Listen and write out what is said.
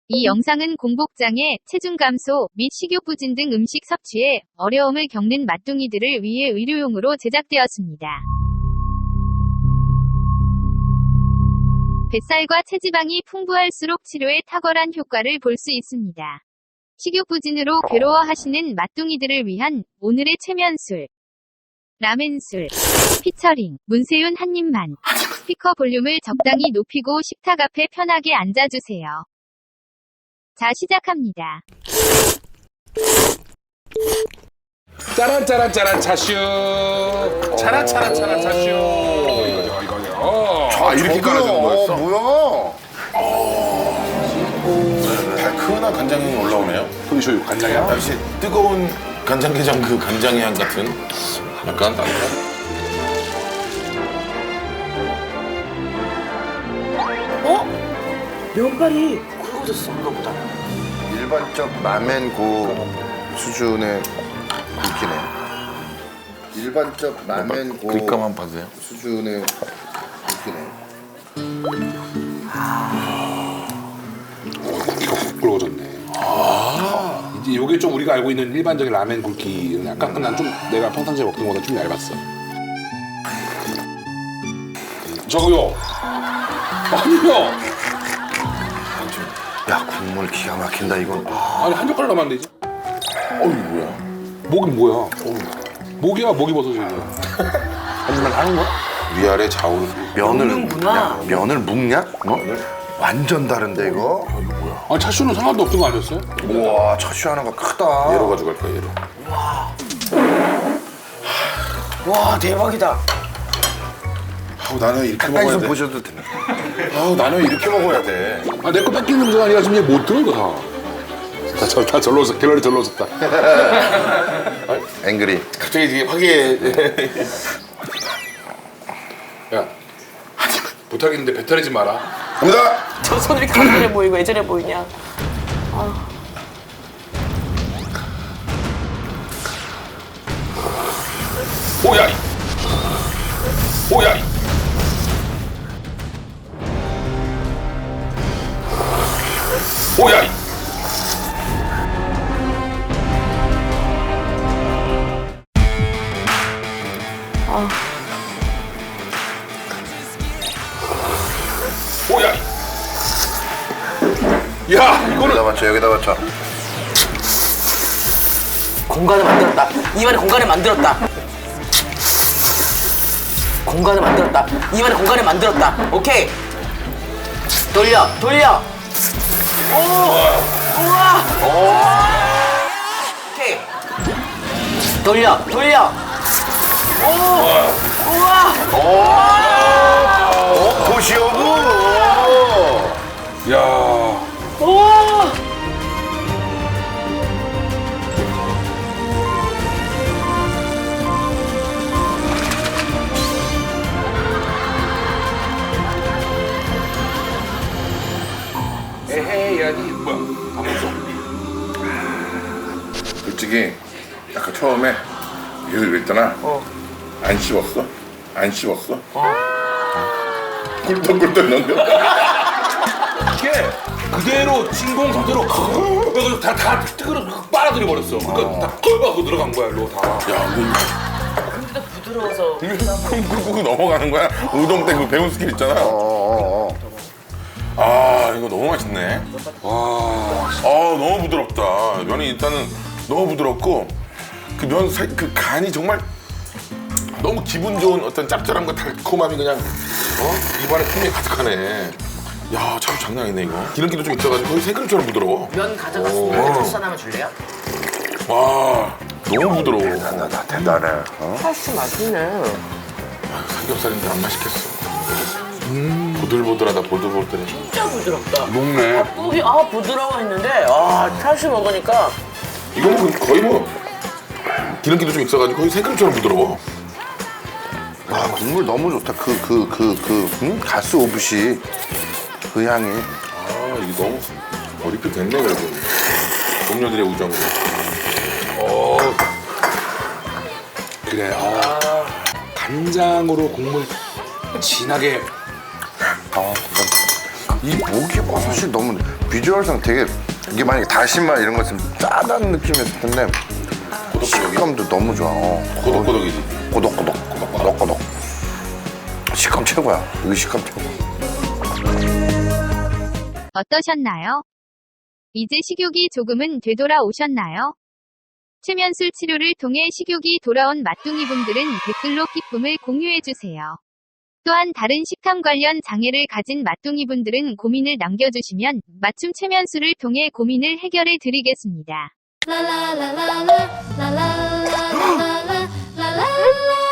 이 영상은 공복장애, 체중 감소 및 식욕 부진 등 음식 섭취에 어려움을 겪는 맛둥이들을 위해 의료용으로 제작되었습니다. 뱃살과 체지방이 풍부할수록 치료에 탁월한 효과를 볼 수 있습니다. 식욕 부진으로 괴로워하시는 맛둥이들을 위한 오늘의 최면술 라멘술 피처링 문세윤 한 입만. 스피커 볼륨을 적당히 높이고 식탁 앞에 편하게 앉아주세요. 자, 시작합니다. 짜란짜란짜란 차슈. 짜란짜란짜란 차슈. 이거요. 이렇게 깔아주는 거였어? 뭐야? 달큰한 간장이 올라오네요. 소리쇼유 간장이야? 역시 뜨거운 간장게장 그 간장의 향 같은 약간 면발이 굵어졌었나 보다. 일반적 라멘 고 수준의 굵기네. 일반적 라멘 고 그립감만 봐주세요. 수준의 굵기네. 고기가 훅 굵어졌네. 이제 요게 좀 우리가 알고 있는 일반적인 라멘 굵기는 약간 난 좀 내가 평상시에 먹던 거보다 좀 얇았어. 저거요. 아니요. 야, 국물 기가 막힌다 이건. 아니 한 젓갈 남았는데 이제. 이거 뭐야? 목은 뭐야? 목이야 목이 버섯이 이거. 하지만 하는 거야? 위아래 좌우로. 면을 먹는구나. 야, 면을 묵냐? 뭐? 완전 다른데 이거? 아니 차슈는 상관도 없던 거 아니었어요? 우와, 차슈 하나가 크다. 얘로 가져갈 거야 얘로. 와, 대박이다. 나는 이렇게 가까이서 먹어야 돼. 보셔도 되네. 나는 이렇게 먹어야 돼. 아 내 거 뺏기는 문제가 아니라 지금 얘 못 들어 이거 다. 다 절로 섰 갤러리 절로 섰다. 앵그리. 갑자기 이게 화기애. 야 부탁인데 배탈이지 마라. 갑니다. 저 손 이렇게 간절해 보이고 애절해 보이냐. 오야. 오야. 오야. 오야. 야 이거는 여기다 맞춰, 여기다 맞춰. 공간을 만들었다. 입안에 공간을 만들었다. 공간을 만들었다. 입안에 공간을 만들었다. 오케이. 돌려. 오! 우와! 오케이. 돌려. 오! 우와! 도시오브. 야. 우와! 에헤이 야니 뭐야? 안 먹어. 솔직히 아까 처음에 계속 그랬잖아. 안 씹었어? 안 씹었어? 꿀떡꿀떡 넘겨. 이게 그대로 진공 상태로 그래서 다 뜨거워 빨아들여 버렸어. 그러니까 다 끓고 들어간 거야 일로 다. 야, 근데 부드러워서. 꾹꾹꾹 넘어가는 거야. 우동 때 그 배운 스킬 있잖아. 이거 너무 맛있네. 와. 너무 부드럽다. 면이 일단은 너무 부드럽고 그 그 간이 정말 너무 기분 좋은 어떤 짭짤함과 달콤함이 그냥 입안에 풍미 가득하네. 야, 참 장난 아니네 이거. 기름기도 좀 있어가지고 거의 생크림처럼 부드러워. 면 가져갔으면 토스 하나만 줄래요? 와, 너무 부드러워. 나 대단해. 사실 맛있네. 삼겹살인데 안 맛있겠어. 보들보들하다 보들보들해. 진짜 부드럽다. 녹네. 부드러워 했는데 찰스 먹으니까 이거 뭐 거의 뭐 기름기도 좀 있어가지고 거의 생크림처럼 부드러워. 아, 국물 너무 좋다. 가스 오브시 그 향이. 이게 너무 리필 됐네 그래도. 동료들의 우정으로. 그래. 간장으로 국물 진하게 이 목이버섯이 너무 비주얼상 되게 이게 만약에 다시마 이런 거 있으면 짜다는 느낌이었을 텐데 식감도 너무 좋아. 고독고독이지. 꼬독꼬독. 식감 최고야. 이거 식감 최고. 어떠셨나요? 이제 식욕이 조금은 되돌아오셨나요? 체면술 치료를 통해 식욕이 돌아온 맛둥이분들은 댓글로 기쁨을 공유해주세요. 또한 다른 식탐 관련 장애를 가진 맛둥이분들은 고민을 남겨주시면 맞춤 체면술을 통해 고민을 해결해 드리겠습니다. la la la la la la la la la la la la